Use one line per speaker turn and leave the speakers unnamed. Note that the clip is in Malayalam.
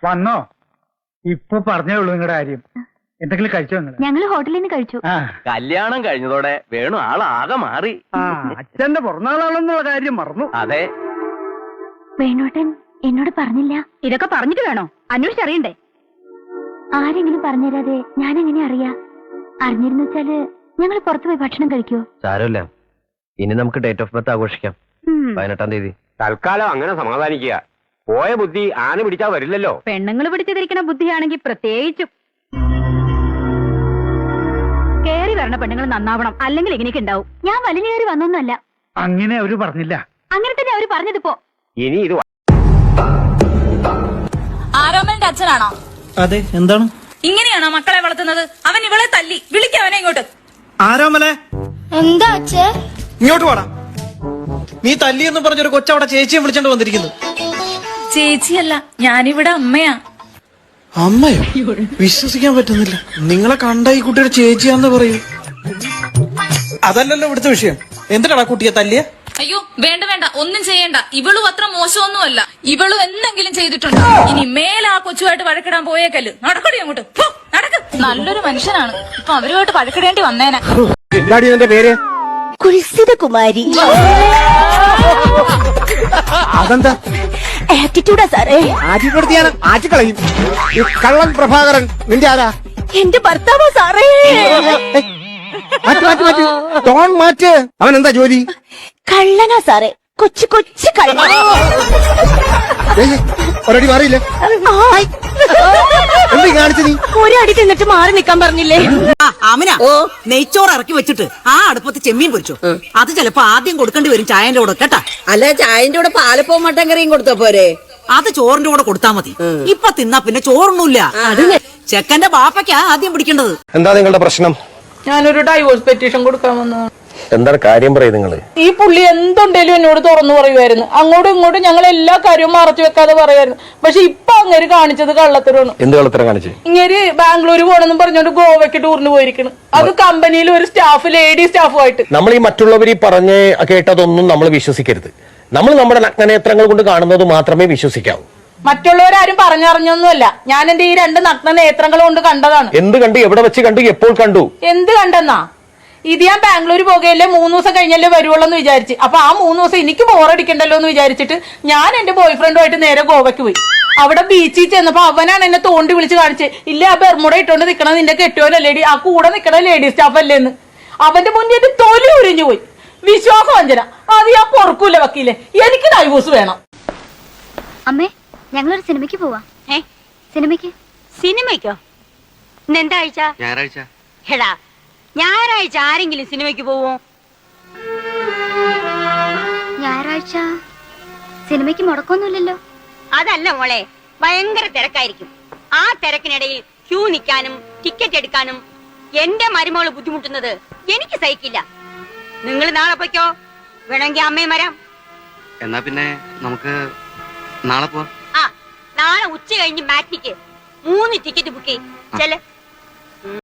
വന്നോ? ഇപ്പൊ പറഞ്ഞേ ഉള്ളൂ നിങ്ങളുടെ കാര്യം. എന്തെങ്കിലും കഴിച്ചോ നിങ്ങൾ?
ഞങ്ങള് ഹോട്ടലിൽ നിന്ന് കഴിച്ചു.
കല്യാണം കഴിഞ്ഞതോടെ വേണു ആളാകെ മാറി.
അച്ഛന്റെ പിറന്നാളാണെന്നുള്ള കാര്യം മറന്നു.
അതെ,
വേണോട്ടൻ എന്നോട് പറഞ്ഞില്ല. ഇതൊക്കെ പറഞ്ഞിട്ട് വേണോ അന്വേഷിച്ചറിയണ്ടേ? ആരെങ്കിലും പറഞ്ഞുതരാതെ ഞാൻ എങ്ങനെ അറിയാ? അറിഞ്ഞിരുന്നു വെച്ചാല് ഞങ്ങൾ പുറത്തു പോയി ഭക്ഷണം കഴിക്കോ?
സാരമില്ല, ഇനി നമുക്ക് ഡേറ്റ് ഓഫ് ബർത്ത് ആഘോഷിക്കാം. 18-ാം തീയതി.
തൽക്കാലം അങ്ങനെ സമാധാനിക്കുക. പോയ ബുദ്ധി ആന പിടിച്ചാ വരില്ലല്ലോ.
പെണ്ണുങ്ങൾ പിടിച്ചിരിക്കുന്ന ബുദ്ധിയാണെങ്കിൽ പ്രത്യേകിച്ചും. കേറി വരണ പെണ്ണുങ്ങൾ നന്നാവണം, അല്ലെങ്കിൽ എങ്ങനെയൊക്കെ ഉണ്ടാവും. ഞാൻ വലിഞ്ഞു കയറി വന്നൊന്നുമല്ല.
അങ്ങനെ അവര് പറഞ്ഞില്ല.
അങ്ങനെ തന്നെ അവര് പറഞ്ഞതിപ്പോ.
ഇനി ഇത്
ആരോമലിന്റെ അച്ഛനാണോ?
അതെ. എന്താണ്?
ഇങ്ങനെയാണോ മക്കളെ വളർത്തുന്നത്? അവൻ ഇവളെ തല്ലി. വിളിക്കവനെ ഇങ്ങോട്ട്.
ആരോമലെ,
എന്താ അച്ഛേ?
ഇങ്ങോട്ട് വാടാ. നീ തല്ലിയെന്ന് പറഞ്ഞൊരു കൊച്ചവിടെ ചേച്ചിയെ വിളിച്ചോണ്ട് വന്നിരിക്കുന്നു.
ചേച്ചിയല്ല, ഞാനിവിടെ അമ്മയാ.
അമ്മയോ? വിശ്വസിക്കാൻ പറ്റുന്നില്ല. നിങ്ങളെ കണ്ട ഈ കുട്ടിയുടെ ചേച്ചിയാന്ന് പറയൂ. അതല്ലല്ലോ ഇവിടുത്തെ വിഷയം. എന്തിനാടാ കുട്ടിയെ തല്ലിയ?
അയ്യോ വേണ്ട വേണ്ട, ഒന്നും ചെയ്യണ്ട. ഇവളും അത്ര മോശമൊന്നുമല്ല. ഇവളും എന്തെങ്കിലും ചെയ്തിട്ടുണ്ട്. ഇനി മേലെ ആ കൊച്ചുമായിട്ട് വഴക്കിടാൻ പോയേക്കല്ല്. നടക്കടി അങ്ങോട്ട്. നടക്ക്. നല്ലൊരു മനുഷ്യനാണ്. ഇപ്പൊ അവരുമായിട്ട് വഴക്കിടേണ്ടി വന്നേനെ.
എന്താടി നിന്റെ പേര്?
കുൽസിതകുമാരി.
അതെന്താ?
ആറ്റിറ്റ്യൂഡാ സാറേ.
ആറ്റിപ്പെടുത്തിയാണ് ആറ്റിക്കളയും. ഈ കള്ളൻ പ്രഭാകരൻ നിന്റെ ആരാ?
എന്റെ ഭർത്താവോ സാറേ?
ടോൺ മാറ്റ്. അവൻ എന്താ ജോലി?
കള്ളനാ സാറേ. കൊച്ചു കൊച്ചു കള്ളൻ.
ഒരടി മാറിയില്ലേ? എന്ത് കാണിച്ചു നീ?
ഒരടി തിന്നിട്ട് മാറി നിക്കാൻ പറഞ്ഞില്ലേ?
ആമിന, നെയ്ച്ചോറ് ഇറക്കി വെച്ചിട്ട് ആ അടുപ്പത്ത് ചെമ്മീൻ പൊരിച്ചു. അത് ചിലപ്പോ ആദ്യം കൊടുക്കേണ്ടി വരും ചായന്റെ കൂടെ കേട്ടാ.
അല്ല, ചായന്റെ കൂടെ പാലപ്പവും മട്ടൻ കറിയും കൊടുത്താ പോരെ?
അത് ചോറിന്റെ കൂടെ കൊടുത്താ മതി. ഇപ്പൊ തിന്നാ പിന്നെ ചോറൊന്നുമില്ല. ചെക്കന്റെ ബാപ്പയ്ക്കാ ആദ്യം പിടിക്കേണ്ടത്.
എന്താ നിങ്ങളുടെ പ്രശ്നം?
ഞാനൊരു ഡൈവോഴ്സ് പെറ്റീഷൻ കൊടുക്കാൻ വന്നു.
എന്താണ് കാര്യം പറയും നിങ്ങള്?
ഈ പുള്ളി എന്തുണ്ടേലും എന്നോട് തുറന്നു പറയുമായിരുന്നു. അങ്ങോട്ടും ഇങ്ങോട്ടും ഞങ്ങൾ എല്ലാ കാര്യവും മറച്ചു വെക്കാതെ പറയുമായിരുന്നു. പക്ഷെ ഇപ്പൊ അങ്ങേര് കാണിച്ചത് കള്ളത്തരമാണ്.
എന്ത് കള്ളത്തരം കാണിച്ചു?
ഇങ്ങേര് ബാംഗ്ലൂർ പോണെന്നും പറഞ്ഞോണ്ട് ഗോവയ്ക്ക് ടൂറിന് പോയിരിക്കുന്നു. അത് കമ്പനിയിൽ ഒരു സ്റ്റാഫ്, ലേഡി സ്റ്റാഫുമായിട്ട്.
നമ്മൾ ഈ മറ്റുള്ളവർ പറഞ്ഞ് കേട്ടതൊന്നും നമ്മൾ വിശ്വസിക്കരുത്. നമ്മൾ നമ്മുടെ നഗ്നനേത്രങ്ങൾ കൊണ്ട് കാണുന്നത് മാത്രമേ വിശ്വസിക്കാവൂ.
മറ്റുള്ളവരാരും പറഞ്ഞറിഞ്ഞൊന്നുമല്ല. ഞാൻ എന്റെ ഈ 2 നഗ്ന നേത്രങ്ങൾ കൊണ്ട് കണ്ടതാണ്.
എന്ത് കണ്ടു? എവിടെ വെച്ച് കണ്ടു? എപ്പോൾ കണ്ടു?
എന്ത് കണ്ടെന്നാ? ഇത് ഞാൻ ബാംഗ്ലൂർ പോകുകയല്ലേ, 3 ദിവസം കഴിഞ്ഞല്ലേ വരുവുള്ളൂ എന്ന് വിചാരിച്ച്. അപ്പൊ ആ 3 ദിവസം എനിക്ക് ബോറടിക്കണ്ടല്ലോ എന്ന് വിചാരിച്ചിട്ട് ഞാൻ എന്റെ ബോയ് ഫ്രണ്ടുമായിട്ട് നേരെ ഗോവയ്ക്ക് പോയി. അവിടെ ബീച്ചിൽ ചെന്നപ്പോ അവനാണ് എന്നെ തോണ്ടി വിളിച്ച് കാണിച്ചത്. ഇല്ല, ആ ബെർമുട ഇട്ടോണ്ട് നിക്കണത് നിന്റെ കെട്ടിയോലല്ലേടി, ആ കൂടെ നിക്കണ ലേഡി സ്റ്റാഫ് അല്ലേന്ന്. അവന്റെ മുന്നിൽ എന്റെ തൊലി ഉരിഞ്ഞു പോയി. വിശ്വാസവഞ്ചന. അത് ഞാൻ പൊറുക്കൂല വക്കീലെ. എനിക്ക് ഡൈവോഴ്സ് വേണം.
അമ്മേ, ഞങ്ങളൊരു സിനിമയ്ക്ക് പോവാ. സിനിമയ്ക്കോ? ഇന്നെന്താ ആഴ്ച?
ഞായറാഴ്ച.
എടാ, ഞായറാഴ്ച ആരെങ്കിലും സിനിമയ്ക്ക് പോവോ? ഞായറാഴ്ച സിനിമയ്ക്ക് മുടക്കൊന്നുമില്ലല്ലോ.
അതല്ല മോളെ, ഭയങ്കര തിരക്കായിരിക്കും. ആ തിരക്കിനിടയിൽ ക്യൂ നിൽക്കാനും ടിക്കറ്റ് എടുക്കാനും എന്റെ മരുമോള് ബുദ്ധിമുട്ടുന്നത് എനിക്ക് സഹിക്കില്ല. നിങ്ങൾ നാളെ പോയിക്കോ, വേണമെങ്കിൽ അമ്മയും വരാം.
എന്നാ പിന്നെ നമുക്ക് നാളെ പോവാം.
ആ, നാളെ ഉച്ച കഴിഞ്ഞ് മാറ്റിക്ക് 3 ടിക്കറ്റ് ബുക്ക് ചെയ്യ്. ചെല്ല്.